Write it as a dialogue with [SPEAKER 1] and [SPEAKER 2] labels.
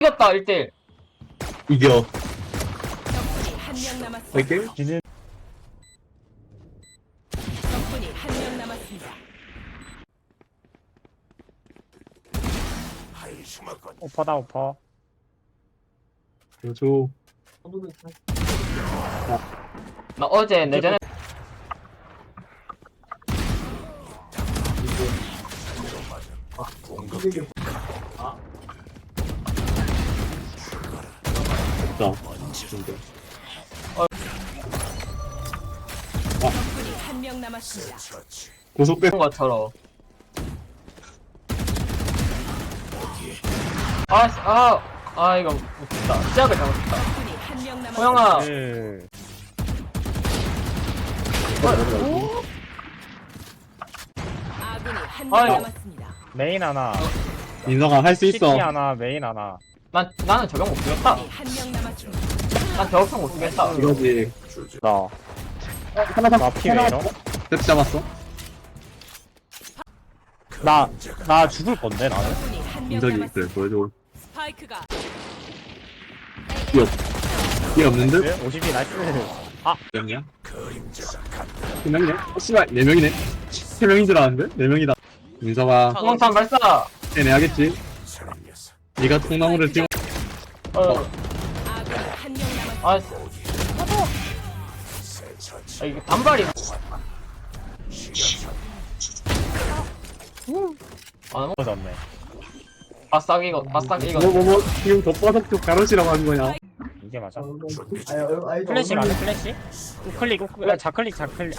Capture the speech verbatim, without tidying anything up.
[SPEAKER 1] 이겼다 일 대 일.
[SPEAKER 2] 이겨.
[SPEAKER 3] 적군이 한 명 남았습니다.
[SPEAKER 2] 이렇게?
[SPEAKER 4] 지는
[SPEAKER 3] 적군이 한 명 남았습니다.
[SPEAKER 4] 오퍼다 오퍼.
[SPEAKER 2] 줘.
[SPEAKER 1] 나 어제 내전에
[SPEAKER 2] 자. 진짜.
[SPEAKER 3] 적군이 한 명 남았습니다.
[SPEAKER 2] 고속배.
[SPEAKER 1] 본 것처럼. 아, 씨, 아, 아 이거 못했다. 시작을 잘못했다.
[SPEAKER 3] 적군이 한 명 남았습니다.
[SPEAKER 1] 호영아,
[SPEAKER 4] 예.
[SPEAKER 3] 아군이 한
[SPEAKER 1] 아유.
[SPEAKER 3] 명 남았습니다.
[SPEAKER 4] 메인 하나.
[SPEAKER 2] 민서가 할 수
[SPEAKER 4] 시티
[SPEAKER 2] 있어.
[SPEAKER 4] 하나 메인 하나.
[SPEAKER 1] 난 나는 적용 못 쓰겠다.
[SPEAKER 3] 적군이 한 명 남았습니다.
[SPEAKER 1] 난 저격형 못 쓰겠다.
[SPEAKER 2] 이거지.
[SPEAKER 4] 나.
[SPEAKER 2] 하나 더.
[SPEAKER 4] 나 피웨이로.
[SPEAKER 2] 세트 잡았어?
[SPEAKER 4] 나, 나 죽을 건데, 나는?
[SPEAKER 3] 적군이 한 명
[SPEAKER 2] 민석이 그래
[SPEAKER 3] 남았습니다.
[SPEAKER 2] 보여줘.
[SPEAKER 3] 스파이크가
[SPEAKER 2] 뛰어. 뛰어 없는 듯?
[SPEAKER 4] 네? 오십이 나이스.
[SPEAKER 2] 몇 명이야? 세 명이네? 어, 씨발 네 명이네? 세 명인 줄 알았는데? 네 명이다. 민서가
[SPEAKER 1] 소방탄 발사.
[SPEAKER 2] 해내야겠지? 네가 통나무를 띄워.
[SPEAKER 1] 어,
[SPEAKER 3] 아군이 한 명 남았습니다.
[SPEAKER 1] 아, 아 이게 단발이. 아,
[SPEAKER 4] 터졌네.
[SPEAKER 1] 바싹 이거, 바싹 이거.
[SPEAKER 2] 뭐뭐뭐 지금 덧바닥 쪽 가로시라고 하는 거냐?
[SPEAKER 4] 이게 맞아? 플래시 가네, 플래시? 우클릭, 우클릭, 아, 좌클릭, 좌클릭.